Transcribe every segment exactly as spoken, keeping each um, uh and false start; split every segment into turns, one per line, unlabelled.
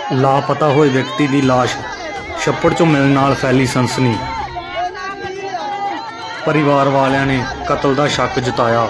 ਲਾਪਤਾ ਹੋਏ ਵਿਅਕਤੀ ਦੀ ਲਾਸ਼ ਛੱਪੜ 'ਚੋਂ ਮਿਲਣ ਨਾਲ ਫੈਲੀ ਸਨਸਨੀ। ਪਰਿਵਾਰ ਵਾਲਿਆਂ ਨੇ ਕਤਲ ਦਾ ਸ਼ੱਕ ਜਤਾਇਆ।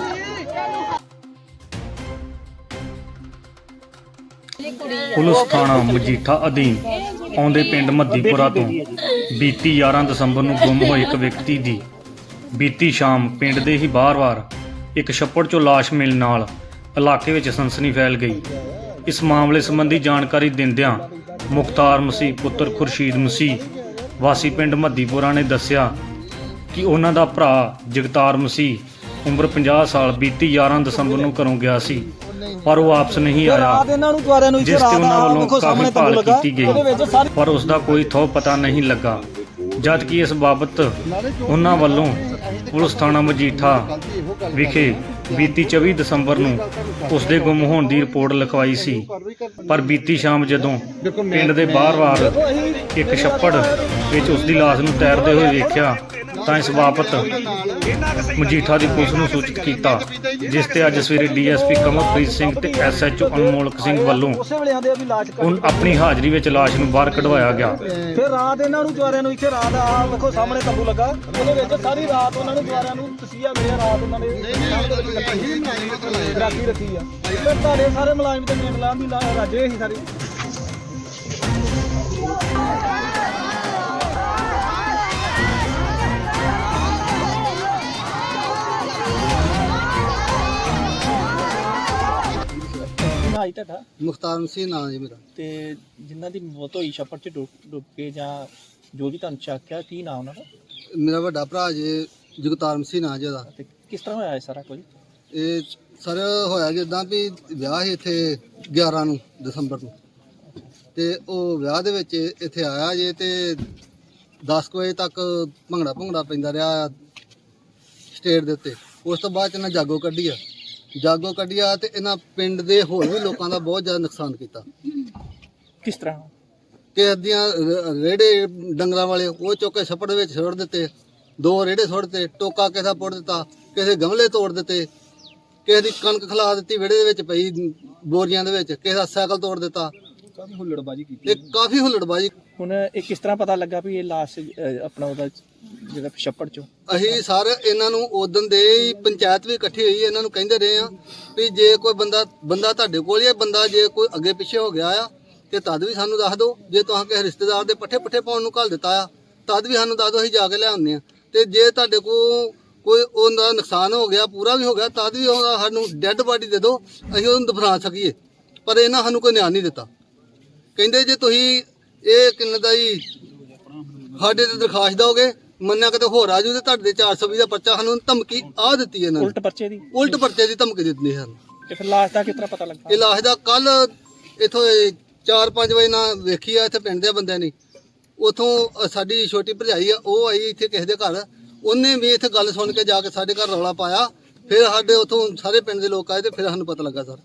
ਪੁਲਿਸ ਥਾਣਾ ਮਜੀਠਾ ਅਧੀਨ ਆਉਂਦੇ ਪਿੰਡ ਮੱਦੀਪੁਰਾ ਤੋਂ ਬੀਤੀ ਗਿਆਰਾਂ ਦਸੰਬਰ ਨੂੰ ਗੁੰਮ ਹੋਏ ਇੱਕ ਵਿਅਕਤੀ ਦੀ ਬੀਤੀ ਸ਼ਾਮ ਪਿੰਡ ਦੇ ਹੀ ਬਾਹਰ-ਬਾਹਰ ਇੱਕ ਛੱਪੜ 'ਚੋਂ ਲਾਸ਼ ਮਿਲਣ ਨਾਲ ਇਲਾਕੇ ਵਿੱਚ ਸਨਸਨੀ ਫੈਲ ਗਈ। ਇਸ ਮਾਮਲੇ ਸੰਬੰਧੀ ਜਾਣਕਾਰੀ ਦਿੰਦਿਆਂ ਮੁਖਤਾਰ ਮਸੀਹ ਪੁੱਤਰ ਖੁਰਸ਼ੀਦ ਮਸੀਹ ਵਾਸੀ ਪਿੰਡ ਮੱਦੀਪੁਰਾ ਨੇ ਦੱਸਿਆ ਕਿ ਉਹਨਾਂ ਦਾ ਭਰਾ ਜਗਤਾਰ ਮਸੀਹ ਉਮਰ ਪੰਜਾਹ ਸਾਲ ਬੀਤੀ ਗਿਆਰਾਂ ਦਸੰਬਰ ਨੂੰ ਘਰੋਂ ਗਿਆ ਸੀ, ਪਰ ਉਹ ਵਾਪਸ ਨਹੀਂ ਆਇਆ, ਜਿਸ ਤੇ ਉਹਨਾਂ ਵੱਲੋਂ ਕਾਫੀ ਭਾਲ ਕੀਤੀ ਗਈ ਪਰ ਉਸ ਦਾ ਕੋਈ ਥਹੁ ਪਤਾ ਨਹੀਂ ਲੱਗਾ। ਜਦ ਕਿ ਇਸ ਬਾਬਤ ਉਹਨਾਂ ਵੱਲੋਂ ਪੁਲਿਸ ਥਾਣਾ ਮਜੀਠਾ ਵਿਖੇ ਬੀਤੀ ਚੌਵੀ ਦਸੰਬਰ ਨੂੰ ਉਸ ਦੇ ਗੁੰਮ ਹੋਣ ਦੀ ਰਿਪੋਰਟ ਲਿਖਵਾਈ ਸੀ, ਪਰ ਬੀਤੀ ਸ਼ਾਮ ਜਦੋਂ ਪਿੰਡ ਦੇ ਬਾਹਰ-ਬਾਹਰ ਇੱਕ ਛੱਪੜ ਵਿੱਚ ਉਸ ਦੀ ਲਾਸ਼ ਨੂੰ ਤੈਰਦੇ ਹੋਏ ਵੇਖਿਆ ਤਾਂ ਇਸ ਬਾਬਤ ਮਜੀਠਾ ਦੀ ਪੁਲਿਸ ਨੂੰ ਸੂਚਿਤ ਕੀਤਾ, ਜਿਸ ਤੇ ਅੱਜ ਸਵੇਰੇ D S P Kamalpreet Singh ਤੇ S H O Anmolak Singh ਵੱਲੋਂ ਹੁਣ ਆਪਣੀ ਹਾਜ਼ਰੀ ਵਿੱਚ ਲਾਸ਼ ਨੂੰ ਬਾਹਰ ਕਢਵਾਇਆ ਗਿਆ।
ਫਿਰ ਰਾਤ ਇਹਨਾਂ ਨੂੰ ਜਵਾਰਿਆਂ ਨੂੰ ਇੱਥੇ ਰਾਤ ਆ ਵੇਖੋ ਸਾਹਮਣੇ ਤੰਬੂ ਲੱਗਾ, ਉਹਦੇ ਵਿੱਚ ਸਾਰੀ ਰਾਤ ਉਹਨਾਂ ਨੂੰ ਜਵਾਰਿਆਂ ਨੂੰ ਤਸੀਹਾ ਮਿਲਿਆ। ਰਾਤ ਉਹਨਾਂ ਨੇ ਰਾਖੀ ਰੱਖੀ ਆ। ਫਿਰ ਤੁਹਾਡੇ ਸਾਰੇ ਮੁਲਾਜ਼ਮ ਤੇ ਮੇਮਲਾਂ ਦੀ ਰਾਜੇ ਸੀ ਸਾਰੇ।
ਮੁਖਤਾਰ ਮਸੀਹ ਨਾਂ ਜੀ ਮੇਰਾ।
ਤੇ ਜਿਨ੍ਹਾਂ ਦੀ ਮੌਤ ਹੋਈ ਛੱਪੜ 'ਚ ਡੁੱਬ ਡੁੱਬ ਕੇ ਜਾਂ ਜੋ ਵੀ ਤੁਹਾਨੂੰ ਸ਼ੱਕ ਆ, ਕੀ ਨਾਂ ਉਹਨਾਂ ਦਾ?
ਮੇਰਾ ਵੱਡਾ ਭਰਾ ਜੀ ਜਗਤਾਰ ਮਸੀਹ ਨਾਂ ਜੀ ਉਹਦਾ।
ਤੇ ਕਿਸ ਤਰ੍ਹਾਂ ਹੋਇਆ ਇਹ ਸਾਰਾ ਕੁਝ?
ਇਹ ਸਰ ਹੋਇਆ ਜਿੱਦਾਂ ਵੀ ਵਿਆਹ ਸੀ ਇੱਥੇ ਗਿਆਰਾਂ ਨੂੰ ਦਸੰਬਰ ਨੂੰ, ਤੇ ਉਹ ਵਿਆਹ ਦੇ ਵਿੱਚ ਇੱਥੇ ਆਇਆ ਜੇ ਤੇ ਦਸ ਕੁ ਵਜੇ ਤੱਕ ਭੰਗੜਾ ਭੰਗੜਾ ਪੈਂਦਾ ਰਿਹਾ ਸਟੇਜ ਦੇ ਉੱਤੇ। ਉਸ ਤੋਂ ਬਾਅਦ ਇਹਨਾਂ ਜਾਗੋ ਕੱਢੀ ਆ ਜਾਗੋ ਕੱਢਿਆ ਤੇ ਇਹਨਾਂ ਪਿੰਡ ਦੇ ਹੋਰ ਵੀ ਲੋਕਾਂ ਦਾ ਬਹੁਤ ਜ਼ਿਆਦਾ ਨੁਕਸਾਨ ਕੀਤਾ।
ਕਿਸ ਤਰ੍ਹਾਂ?
ਕਿਸੇ ਦੀਆਂ ਰੇੜੇ ਡੰਗਰਾਂ ਵਾਲੇ ਉਹ ਚੁੱਕ ਕੇ ਛੱਪੜ ਦੇ ਵਿੱਚ ਸੁੱਟ ਦਿੱਤੇ, ਦੋ ਰੇੜੇ ਸੁੱਟ ਦਿੱਤੇ, ਟੋਕਾ ਕਿਸੇ ਦਾ ਪੁੱਟ ਦਿੱਤਾ, ਕਿਸੇ ਗਮਲੇ ਤੋੜ ਦਿੱਤੇ, ਕਿਸੇ ਦੀ ਕਣਕ ਖਲਾ ਦਿੱਤੀ ਵਿਹੜੇ ਦੇ ਵਿੱਚ ਪਈ ਬੋਰੀਆਂ ਦੇ ਵਿੱਚ, ਕਿਸੇ ਦਾ ਸਾਈਕਲ ਤੋੜ ਦਿੱਤਾ।
ਕਾਫੀ ਹੁੱਲੜਬਾਜੀ ਕੀਤੀ।
ਇਹ ਕਾਫੀ ਹੁੱਲੜਬਾਜੀ।
ਹੁਣ ਇਹ ਕਿਸ ਤਰ੍ਹਾਂ ਪਤਾ ਲੱਗਾ ਵੀ ਇਹ ਲਾਸ਼ ਆਪਣਾ ਉਹਦਾ ਜਿਹੜਾ ਛੱਪੜ 'ਚੋਂ?
ਅਸੀਂ ਸਰ ਇਹਨਾਂ ਨੂੰ ਉਦੋਂ ਦੇ ਹੀ ਪੰਚਾਇਤ ਵੀ ਇਕੱਠੀ ਹੋਈ, ਇਹਨਾਂ ਨੂੰ ਕਹਿੰਦੇ ਰਹੇ ਆ ਵੀ ਜੇ ਕੋਈ ਬੰਦਾ ਬੰਦਾ ਤੁਹਾਡੇ ਕੋਲ ਹੀ ਹੈ, ਬੰਦਾ ਜੇ ਕੋਈ ਅੱਗੇ ਪਿੱਛੇ ਹੋ ਗਿਆ ਆ ਤੇ ਤਦ ਵੀ ਸਾਨੂੰ ਦੱਸ ਦਿਓ। ਜੇ ਤੁਸੀਂ ਕਿਸੇ ਰਿਸ਼ਤੇਦਾਰ ਦੇ ਪੱਠੇ ਪੁੱਠੇ ਪਾਉਣ ਨੂੰ ਘੱਲ ਦਿੱਤਾ ਆ ਤਦ ਵੀ ਸਾਨੂੰ ਦੱਸ ਦਿਓ, ਅਸੀਂ ਜਾ ਕੇ ਲੈ ਆਉਂਦੇ ਆ। ਤੇ ਜੇ ਤੁਹਾਡੇ ਕੋਲ ਕੋਈ ਉਹਦਾ ਨੁਕਸਾਨ ਹੋ ਗਿਆ ਪੂਰਾ ਵੀ ਹੋ ਗਿਆ ਤਦ ਵੀ ਉਹਦਾ ਸਾਨੂੰ ਡੈੱਡ ਬਾਡੀ ਦੇ ਦਿਓ, ਅਸੀਂ ਉਹਨੂੰ ਦਫਨਾ ਸਕੀਏ। ਪਰ ਇਹਨਾਂ ਸਾਨੂੰ ਕੋਈ ਨਿਆਂ ਨਹੀਂ ਦਿੱਤਾ। ਕਹਿੰਦੇ ਜੇ ਤੁਸੀਂ ਇਹ ਕਿੰਨੇ ਦਾ ਹੀ ਸਾਡੇ ਤੇ ਦਰਖਾਸਤ ਦਿਓਗੇ, ਮੰਨਿਆ ਕਿਤੇ ਹੋਰ ਆ ਜੂ ਤੇ ਤੁਹਾਡੇ ਚਾਰ ਸੌ ਵੀਹ ਦਾ ਪਰਚਾ ਸਾਨੂੰ ਧਮਕੀ ਆ ਦਿੱਤੀ ਇਹਨਾਂ ਨੇ।
ਉਲਟ ਪਰਚੇ ਦੀ
ਉਲਟ ਪਰਚੇ ਦੀ ਧਮਕੀ ਦਿੱਤੀ ਸਾਨੂੰ।
ਤੇ ਫਿਰ ਲਾਸ਼ ਦਾ ਕਿਸ ਤਰ੍ਹਾਂ ਪਤਾ ਲੱਗਾ?
ਇਹ ਲਾਸ਼ ਦਾ ਕੱਲ ਇੱਥੋਂ ਚਾਰ ਪੰਜ ਵਜੇ ਨਾਲ ਵੇਖੀ ਆ ਇੱਥੇ ਪਿੰਡ ਦੇ ਬੰਦਿਆਂ ਨੇ। ਉਥੋਂ ਸਾਡੀ ਛੋਟੀ ਭਰਜਾਈ ਆ ਉਹ ਆਈ ਇੱਥੇ ਕਿਸੇ ਦੇ ਘਰ, ਉਹਨੇ ਵੀ ਇੱਥੇ ਗੱਲ ਸੁਣ ਕੇ ਜਾ ਕੇ ਸਾਡੇ ਘਰ ਰੌਲਾ ਪਾਇਆ। ਫਿਰ ਸਾਡੇ ਉਥੋਂ ਸਾਰੇ ਪਿੰਡ ਦੇ ਲੋਕ ਆਏ ਤੇ ਫਿਰ ਸਾਨੂੰ ਪਤਾ ਲੱਗਾ ਸਰ।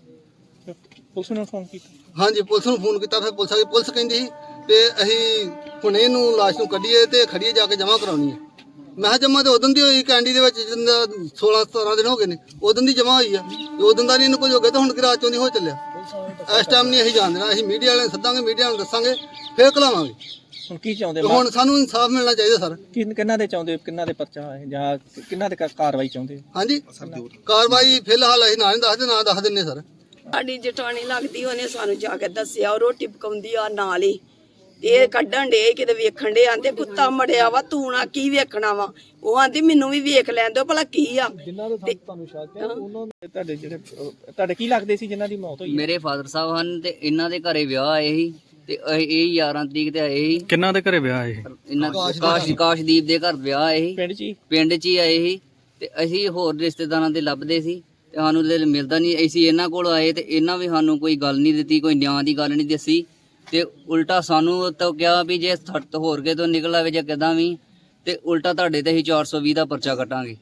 ਪੁਲਿਸ ਨੂੰ ਫੋਨ ਕੀਤਾ?
ਹਾਂਜੀ ਪੁਲਿਸ ਨੂੰ ਫੋਨ ਕੀਤਾ। ਫਿਰ ਪੁਲਿਸ ਆ ਗਈ। ਪੁਲਿਸ ਕਹਿੰਦੀ ਸੀ ਤੇ ਅਸੀਂ ਹੁਣ ਇਹਨੂੰ ਲਾਸ਼ ਨੂੰ ਕੱਢੀਏ ਤੇ ਖੜੀਏ ਜਾ ਕੇ ਜਮ੍ਹਾਂ ਕਰਾਉਣੀ ਹੈ। ਮੈਂ ਕਿਹਾ ਜਮ੍ਹਾਂ ਤੇ ਉਦੋਂ ਦੀ ਹੋਈ ਕੈਂਡੀ ਦੇ ਵਿੱਚ ਜਿੰਦਾ ਸੋਲਾਂ ਸਤਾਰਾਂ ਦਿਨ ਹੋ ਗਏ ਨੇ, ਉਦੋਂ ਦੀ ਜਮ੍ਹਾਂ ਹੋਈ ਆ। ਉਦੋਂ ਦਾ ਨਹੀਂ ਇਹਨੂੰ ਕੁਝ ਹੋ ਗਿਆ ਤਾਂ ਹੁਣ ਕਿ ਰਾਤ ਚੋਂ ਦੀ ਹੋ ਚੱਲਿਆ। ਇਸ ਟਾਈਮ ਨਹੀਂ ਅਸੀਂ ਜਾਣ ਦੇਣਾ। ਅਸੀਂ ਮੀਡੀਆ ਵਾਲਿਆਂ ਨੂੰ ਸੱਦਾਂਗੇ, ਮੀਡੀਆ ਨੂੰ ਦੱਸਾਂਗੇ, ਫਿਰ ਘਲਾਵਾਂਗੇ।
ਹੁਣ ਕੀ ਚਾਹੁੰਦੇ?
ਹੁਣ ਸਾਨੂੰ ਇਨਸਾਫ ਮਿਲਣਾ ਚਾਹੀਦਾ ਸਰ।
ਕਿੰਨਾਂ ਦੇ ਚਾਹੁੰਦੇ? ਕਿੰਨਾਂ ਦੇ ਪਰਚਾ ਹੈ ਜਾਂ ਕਿੰਨਾਂ ਦੇ ਕਾਰਵਾਈ ਚਾਹੁੰਦੇ?
ਹਾਂਜੀ ਕਾਰਵਾਈ ਫਿਲਹਾਲ ਅਸੀਂ ਨਾ ਨਹੀਂ ਦੱਸਦੇ, ਨਾ ਦੱਸ ਦਿੰਦੇ ਸਰ।
ਸਾਡੀ ਜਠਾਣੀ ਲੱਗਦੀ, ਉਹਨੇ ਸਾਨੂੰ ਜਾ ਕੇ ਦੱਸਿਆ। ਉਹ ਰੋਟੀ ਪਕਾਉਂਦੀ ਆ ਨਾਲ ਹੀ, ਇਹ ਕੱਢਣ ਡੇ ਕਿਤੇ ਵੇਖਣ ਡੇ, ਆਂਦੇ ਕੁੱਤਾ ਮੜਿਆ ਵਾ, ਤੂੰ ਨਾ ਕੀ ਵੇਖਣਾ ਵਾ। ਉਹ ਆਂਦੀ ਮੈਨੂੰ ਵੀ ਵੇਖ ਲੈਣ ਦਿਓ ਭਲਾ ਕੀ ਆ।
ਤੁਹਾਨੂੰ ਸ਼ੱਕ ਹੈ ਉਹਨਾਂ ਦੇ ਤੁਹਾਡੇ ਜਿਹੜੇ ਤੁਹਾਡੇ ਕੀ ਲੱਗਦੇ ਸੀ ਜਿਨ੍ਹਾਂ ਦੀ ਮੌਤ ਹੋਈ?
ਮੇਰੇ ਫਾਦਰ ਸਾਹਿਬ ਹਨ ਤੇ ਇਹਨਾਂ ਦੇ ਘਰੇ ਵਿਆਹ ਆਏ ਸੀ ਤੇ ਇਹ ਗਿਆਰਾਂ ਤਰੀਕ ਤੇ ਆਏ ਸੀ।
ਕਿੰਨਾਂ ਦੇ ਘਰੇ ਵਿਆਹ ਇਹ?
ਇਹਨਾਂ ਕਾਸ਼ ਕਾਸ਼ਦੀਪ ਦੇ ਘਰ ਵਿਆਹ ਆਏ ਸੀ,
ਪਿੰਡ 'ਚ ਹੀ
ਪਿੰਡ 'ਚ ਹੀ ਆਏ ਸੀ। ਤੇ ਅਸੀਂ ਹੋਰ ਰਿਸ਼ਤੇਦਾਰਾਂ ਦੇ ਲੱਭਦੇ ਸੀ ਤੇ ਸਾਨੂੰ ਤੇ ਮਿਲਦਾ ਨਹੀਂ। ਅਸੀਂ ਇਹਨਾਂ ਕੋਲ ਆਏ ਤੇ ਇਹਨਾਂ ਵੀ ਸਾਨੂੰ ਕੋਈ ਗੱਲ ਨਹੀਂ ਦਿੱਤੀ, ਕੋਈ ਨਿਆਂ ਦੀ ਗੱਲ ਨਹੀਂ ਦੱਸੀ ਤੇ ਉਲਟਾ ਸਾਨੂੰ ਤਾਂ ਕਿਹਾ ਵੀ ਜੇ ਹੋਰ ਕੇ ਤੋਂ ਨਿਕਲ ਆਵੇ ਜਾਂ ਕਿੱਦਾਂ ਵੀ ਤੇ ਉਲਟਾ ਤੁਹਾਡੇ ਤੇ ਅਸੀਂ ਚਾਰ ਸੌ ਵੀਹ ਦਾ ਪਰਚਾ ਕੱਟਾਂਗੇ।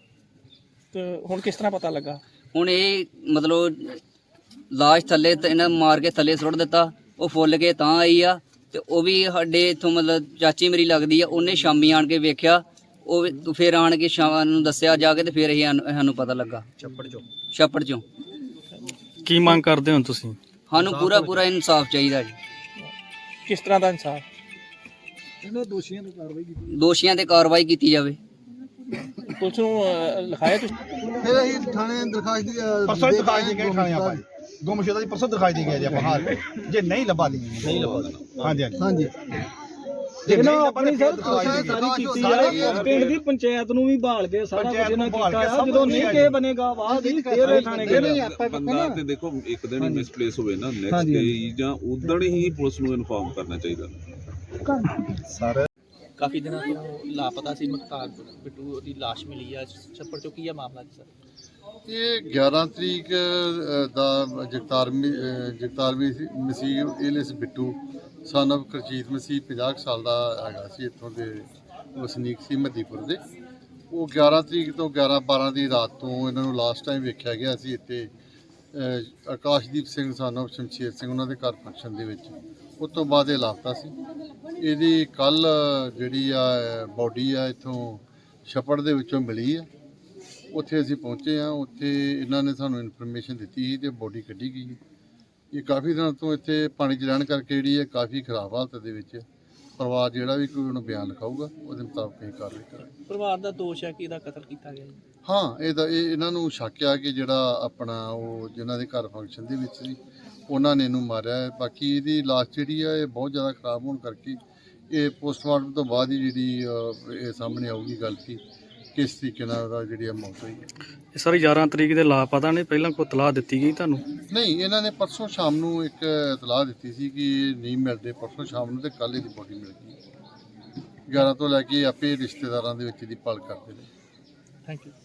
ਤੇ ਹੁਣ ਕਿਸ ਤਰ੍ਹਾਂ ਪਤਾ ਲੱਗਾ?
ਹੁਣ ਇਹ ਮਤਲਬ ਲਾਸ਼ ਥੱਲੇ ਤੇ ਇਹਨਾਂ ਮਾਰ ਕੇ ਥੱਲੇ ਸੁੱਟ ਦਿੱਤਾ, ਉਹ ਫੁੱਲ ਕੇ ਤਾਂ ਆਈ ਆ। ਤੇ ਉਹ ਵੀ ਸਾਡੇ ਇੱਥੋਂ ਮਤਲਬ ਚਾਚੀ ਮੇਰੀ ਲੱਗਦੀ ਆ, ਉਹਨੇ ਸ਼ਾਮੀ ਆਣ ਕੇ ਵੇਖਿਆ, ਉਹ ਫਿਰ ਆਣ ਕੇ ਸ਼ਾਮ ਨੂੰ ਦੱਸਿਆ ਜਾ ਕੇ ਤੇ ਫਿਰ ਅਸੀਂ ਸਾਨੂੰ ਪਤਾ ਲੱਗਾ ਛੱਪੜ ਚੋਂ ਛੱਪੜ ਚੋਂ
ਕੀ ਮੰਗ ਕਰਦੇ ਹੋ ਤੁਸੀਂ?
ਸਾਨੂੰ ਪੂਰਾ ਪੂਰਾ ਇਨਸਾਫ ਚਾਹੀਦਾ ਜੀ।
ਕਿਸ ਤਰ੍ਹਾਂ ਦਾ ਇਨਸਾਫ? ਇਹਨਾਂ ਦੋਸ਼ੀਆਂ ਤੇ ਕਾਰਵਾਈ ਕੀਤੀ,
ਦੋਸ਼ੀਆਂ ਤੇ ਕਾਰਵਾਈ ਕੀਤੀ ਜਾਵੇ।
ਪੁਲਿਸ ਨੂੰ ਅਹ, ਲਿਖਾਇਆ ਤੁਸੀਂ?
ਫਿਰ ਅਸੀਂ ਥਾਣੇ ਦਰਖਾਸਤ ਦੀ ਅ,
ਪਰਸੋਂ ਹੀ
ਦੇ
ਦਿਖਾਈ
ਕੇ
ਦੇ ਗਏ ਥਾਣੇ ਆਪਾਂ ਗੁੰਮਸ਼ੁਦਾ ਦੀ ਪਰਸੋਂ ਦਿਖਾਈ ਦੇ ਗਏ ਜੀ ਆਪਾਂ ਹਾਲ ਜੇ ਨਹੀਂ ਲੱਭਾ ਦੀ ਨਹੀਂ ਲੱਭਾ ਹਾਂਜੀ ਹਾਂਜੀ
ਹਾਂਜੀ
ਦੇਖਣਾ ਆਪਣੀ ਸਰ
ਦਿਖਾਈ
ਕੋਸ਼ਿਸ਼
ਦੇ
ਸਾਰੀ
ਗਏ।
ਕੀਤੀ
ਸਾਰੀ
ਆ, ਪਿੰਡ ਦੀ ਪੰਚਾਇਤ ਨੂੰ ਵੀ ਭਾਲ ਕੇ ਸਾਰਾ
ਪੰਚਾਇਤ
ਕੁਝ ਇਹਨਾਂ
ਨੂੰ ਭਾਲ
ਕੀਤਾ
ਕੇ
ਆ,
ਸਭ
ਜਦੋਂ
ਕੁਝ
ਨਹੀਂ
ਲਿਆ
ਕਿਸੇ
ਜੀ।
ਬਣੇਗਾ ਬਾਅਦ ਹੀ ਫੇਰ ਇਹ ਥਾਣੇ ਗਏ।
ਬੰਦਾ ਤੇ ਦੇਖੋ ਇੱਕ ਦਿਨ ਹੀ ਮਿਸਪਲੇਸ ਹੋਵੇ ਨਾ ਨੈਕਸਟ
ਹਾਂਜੀ,
ਡੇ ਜਾਂ ਉਦਣ ਹੀ ਪੁਲਿਸ ਨੂੰ ਇਨਫਾਰਮ ਕਰਨਾ ਚਾਹੀਦਾ।
ਕਾਫੀ ਦਿਨਾਂ ਤੋਂ ਲਾਪਤਾ ਸੀ ਮੁਖਤਾਰ ਬਿੱਟੂ ਦੀ ਲਾਸ਼ ਮਿਲੀ ਆ ਛੱਪੜ ਚੋਂ। ਕੀ ਆ ਮਾਮਲਾ ਜੀ ਸਰ?
ਇਹ ਗਿਆਰਾਂ ਤਰੀਕ ਅ, ਦਾ ਜਗਤਾਰ ਮੀ- ਅ, ਜਗਤਾਰ ਮੀ- ਮਸੀਹ ਏਲਿਸ ਬਿੱਟੂ ਸਨ of ਕਰਜੀਤ ਮਸੀਹ ਪੰਜਾਹ ਕੁ ਸਾਲ ਦਾ ਹੈਗਾ ਸੀ, ਇੱਥੋਂ ਦੇ ਵਸਨੀਕ ਸੀ ਮੱਦੀਪੁਰ ਦੇ। ਉਹ ਗਿਆਰਾਂ ਤਰੀਕ ਤੋਂ ਗਿਆਰਾਂ ਬਾਰਾਂ ਦੀ ਰਾਤ ਤੋਂ ਇਹਨਾਂ ਨੂੰ ਲਾਸਟ ਟਾਈਮ ਵੇਖਿਆ ਗਿਆ ਸੀ ਇੱਥੇ ਅ, ਆਕਾਸ਼ਦੀਪ ਸਿੰਘ ਸਨ of ਸ਼ਮਸ਼ੇਰ ਸਿੰਘ ਉਹਨਾਂ ਦੇ ਘਰ ਫੰਕਸ਼ਨ ਦੇ ਵਿੱਚ। ਉਸ ਤੋਂ ਬਾਅਦ ਇਹ ਲਾਪਤਾ ਸੀ। ਇਹਦੀ ਕੱਲ ਜਿਹੜੀ ਆ ਬੋਡੀ ਆ ਇੱਥੋਂ ਛੱਪੜ ਦੇ ਵਿੱਚੋਂ ਮਿਲੀ ਆ। ਉੱਥੇ ਅਸੀਂ ਪਹੁੰਚੇ ਆ, ਉੱਥੇ ਇਹਨਾਂ ਨੇ ਸਾਨੂੰ ਇਨਫੋਰਮੇਸ਼ਨ ਦਿੱਤੀ ਸੀ ਤੇ ਬੋਡੀ ਕੱਢੀ ਗਈ। ਇਹ ਕਾਫੀ ਦਿਨਾਂ ਤੋਂ ਇੱਥੇ ਪਾਣੀ 'ਚ ਰਹਿਣ ਕਰਕੇ ਜਿਹੜੀ ਹੈ ਕਾਫੀ ਖਰਾਬ ਹਾਲਤ ਦੇ ਵਿੱਚ। ਪਰਿਵਾਰ ਜਿਹੜਾ ਵੀ ਕੋਈ ਉਹਨੂੰ ਬਿਆਨ ਲਿਖਾਊਗਾ ਉਹਦੇ ਮੁਤਾਬਕ ਅਸੀਂ ਕਾਰਵਾਈ ਕਰਾਂਗੇ।
ਪਰਿਵਾਰ ਦਾ ਦੋਸ਼ ਹੈ ਕਿ ਇਹਦਾ ਕਤਲ ਕੀਤਾ ਗਿਆ ਜੀ।
ਹਾਂ ਇਹਦਾ ਇਹ ਇਹਨਾਂ ਨੂੰ ਸ਼ੱਕ ਆ ਕਿ ਜਿਹੜਾ ਆਪਣਾ ਉਹ ਜਿਨ੍ਹਾਂ ਦੇ ਘਰ ਫੰਕਸ਼ਨ ਦੇ ਵਿੱਚ ਸੀ ਉਹਨਾਂ ਨੇ ਇਹਨੂੰ ਮਾਰਿਆ ਹੈ। ਬਾਕੀ ਇਹਦੀ ਲਾਸ਼ ਜਿਹੜੀ ਆ ਇਹ ਬਹੁਤ ਜ਼ਿਆਦਾ ਖਰਾਬ ਹੋਣ ਕਰਕੇ ਇਹ ਪੋਸਟਮਾਰਟਮ ਤੋਂ ਬਾਅਦ ਹੀ ਜਿਹੜੀ ਅ, ਇਹ ਸਾਹਮਣੇ ਆਊਗੀ ਗੱਲ ਕਿ ਕਿਸ ਤਰੀਕੇ ਨਾਲ ਉਹਦਾ ਜਿਹੜੀ ਆ ਮੌਤ ਹੋਈ ਹੈ।
ਇਹ ਸਾਰੀ ਗਿਆਰਾਂ ਤਰੀਕ ਦੇ ਲਾਪਤਾ ਨੇ, ਪਹਿਲਾਂ ਕੋਈ ਇਤਲਾਹ ਦਿੱਤੀ ਗਈ ਤੁਹਾਨੂੰ?
ਨਹੀਂ, ਇਹਨਾਂ ਨੇ ਪਰਸੋਂ ਸ਼ਾਮ ਨੂੰ ਇੱਕ ਇਤਲਾਹ ਦਿੱਤੀ ਸੀ ਕਿ ਇਹ ਨਹੀਂ ਮਿਲਦੇ ਪਰਸੋਂ ਸ਼ਾਮ ਨੂੰ, ਤੇ ਕੱਲ੍ਹ ਇਹਦੀ ਬੋਡੀ ਮਿਲ ਗਈ। ਗਿਆਰਾਂ ਤੋਂ ਲੈ ਕੇ ਆਪੇ ਰਿਸ਼ਤੇਦਾਰਾਂ ਦੇ ਵਿੱਚ ਇਹਦੀ ਭਾਲ ਕਰਦੇ ਨੇ।
Thank you.